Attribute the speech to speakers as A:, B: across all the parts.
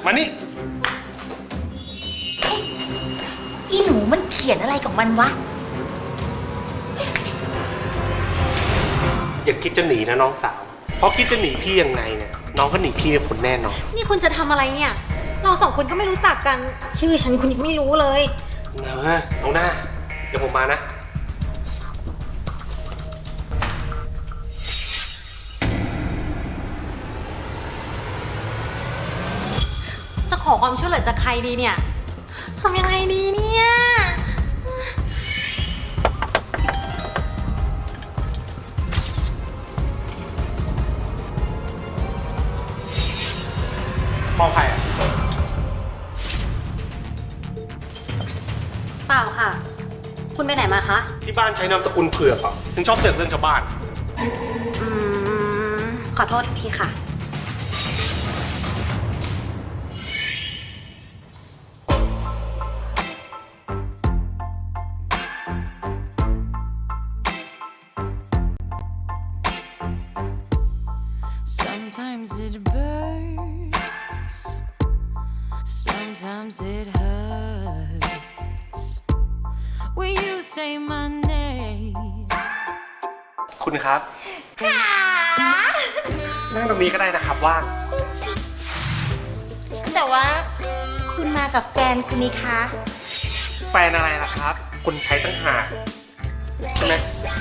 A: มานี่
B: อีหนูมันเขียนอะไรกับมันวะ
A: อย่าคิดจะหนีนะน้องสาวเพราะคิดจะหนีพี่ยังไงเนี่ยน้องก็หนีพี่เป็นคนแน่นอน
C: นี่คุณจะทำอะไรเนี่ยเราสองคนก็ไม่รู้จักกันชื่อฉันคุณยังไม่รู้เลย
A: เนอะน้องหน้าเดี๋ยวผมมานะ
C: จะขอความช่วยเหลือจากใครดีเนี่ยทำยังไงดีเนี่ย
A: มองใครอ่ะ
C: เปล่าค่ะคุณไปไหนมาคะ
A: ที่บ้านใช้นามสกุลเผือกอ่ะถึงชอบเสือกเรื่องชาวบ้าน
C: ขอโทษทีค่ะ
D: Sometimes it burns, sometimes it hurts when you say my name
A: คุณครับค่ะนั่งตรงนี้ก็ได้นะครับว่าง
B: แต่ว่าคุณมากับแฟนคุณนี่คะ
A: แฟนอะไรล่ะครับคุณใช้ตั้งหากใช่ไหม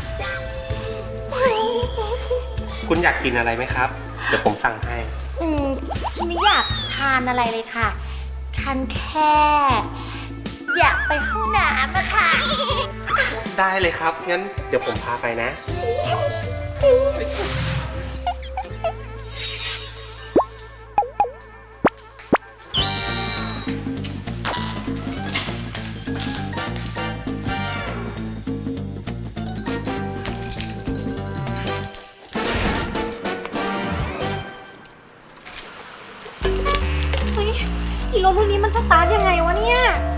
A: คุณอยากกินอะไรไหมครับเดี๋ยวผมสั่งให้
B: ฉันไม่อยากทานอะไรเลยค่ะฉันแค่อยากไปห้องน้ำอะค่ะ
A: ได้เลยครับงั้นเดี๋ยวผมพาไปนะ
C: อีรถรุ่นนี้มันสตาร์ทยังไงวะเนี่ย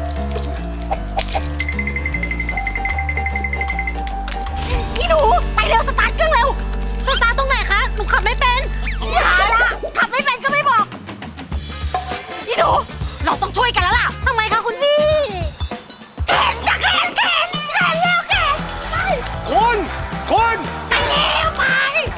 C: อีหนูไปเร็วสตาร์ทเครื่องเร็วสตาร์ทตรงไหนคะหนูขับไม่เป็นอย่าละขับไม่เป็นก็ไม่บอกอีหนูเราต้องช่วยกันแล้วล่ะทำไมคะคุณพี่แขนจะแขนเร็วแขนไป
A: คุณ
C: ไปเร็วไป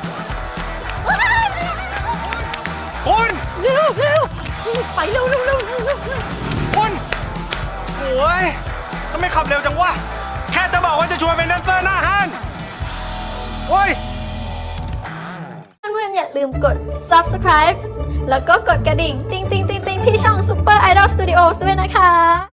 A: คุณ
C: เร็วไปเร็ว
A: คุณโอ้ยทำไมขับเร็วจังวะแค่จะบอกว่าจะชวนเป็นแดนเซอร์หน้าห้านโอ้ย
E: เพื่อนๆอย่าลืมกด subscribe แล้วก็กดกระดิ่ง ติ๊งๆๆๆที่ช่อง Super Idol Studios ด้วยนะคะ